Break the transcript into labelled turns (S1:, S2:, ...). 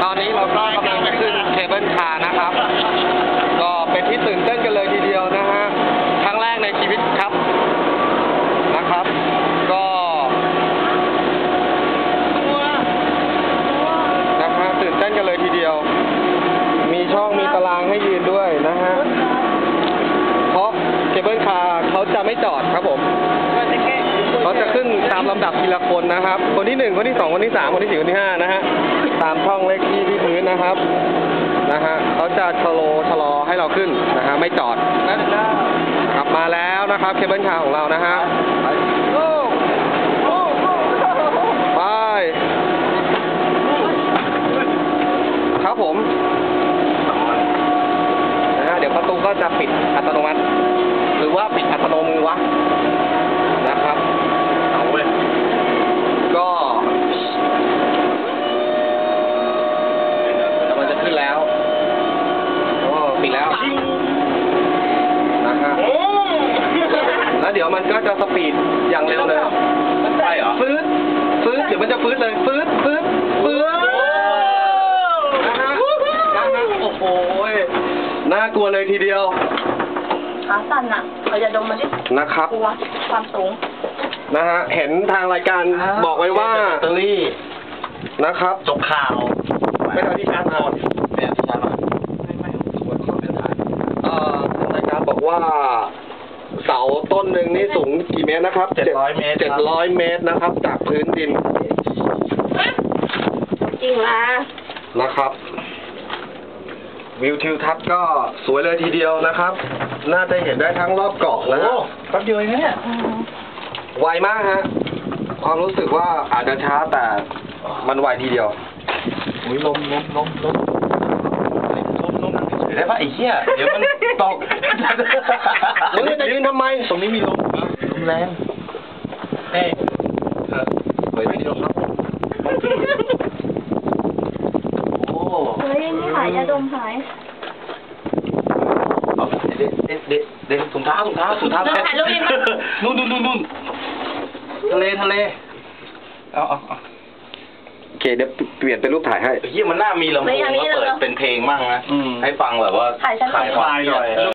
S1: อนนี้เราก็กำลังจะขึ้นเคเบิลคาร์นะครับก็เป็นที่ตื่นเต้นกันเลยทีเดียวนะฮะครั้งแรกในชีวิตครับนะครับก็นะฮะตื่นเต้นกันเลยทีเดียวมีช่องมีตารางให้ยืนด้วยนะฮะเพราะเคเบิลคาร์เขาจะไม่จอดครับผมเขาจะขึ้นตามลำดับทีละคนนะครับคนที่1คนที่2คนที่3คนที่4คนที่5นะฮะตามช่องเลขที่พื้นนะครับนะฮะเขาจะชะลอให้เราขึ้นนะฮะไม่จอดกลับมาแล้วนะครับเคเบิลคาร์ของเรานะฮะไปครับผมนะฮะเดี๋ยวประตูก็จะปิดอัตโนมัติหรือว่าปิดอัตโนมือวะนะครับเอาเว้ยก็มันจะขึ้นแล้วก็ปิดแล้วนะฮะแล้วเดี๋ยวมันก็จะสปีดอย่างเร็วเลยใช่เหรอฟื้นเดี๋ยวมันจะฟื้นเลยฟื้นนะฮะโอ้โหน่ากลัวเลยทีเดียว
S2: ขาสั่นอ่ะเราจะดมมันดิ
S1: นะครับ
S2: กลัวความสูง
S1: นะฮะเห็นทางรายการบอกไว้ว่า
S3: แบตเตอรี่
S1: นะครับ
S3: จบข่าว
S1: ไม่เอาที่ชาร์จมา
S3: เนี่ยที่ชาร์จมาไม่ควรขอเป็นฐาน
S1: ทางรายการบอกว่าเสาต้นหนึ่งนี่สูงกี่เมตรนะครับ
S3: 700 เมตร
S1: 700 เมตรนะครับจากพื้นดิน
S2: จริงนะ
S1: นะครับวิวทิวทัศน์ก็สวยเลยทีเดียวนะครับน่าจะเห็นได้ทั้งรอบเกาะนะ
S3: แป๊บเดียวเองเนี่ย
S1: ไวมากฮะความรู้สึกว่าอาจจะช้าแต่มันไวทีเดียว
S3: อุ้ยลมได้ปะไอ้เหี้ยเดี๋ยวมันตก
S1: มึงจะยืนทำไม
S3: ตรงนี้มีลมแรงเฮ้ยไม่มีลมครับโอ้
S2: เฮ้ยนี่หายยาดมหาย
S3: เด็กถุงเท้า
S2: ถ่ายรูปยังไง
S3: นู่นทะเลเอา
S1: โอเคเดี๋ยวเปลี่ยนเป็นรูปถ่ายให้
S3: เฮียมันน่ามีลำโพงมาเปิดเป็นเพลงมั่งนะให้ฟังแบบว่า
S2: ถ่ายหน่อย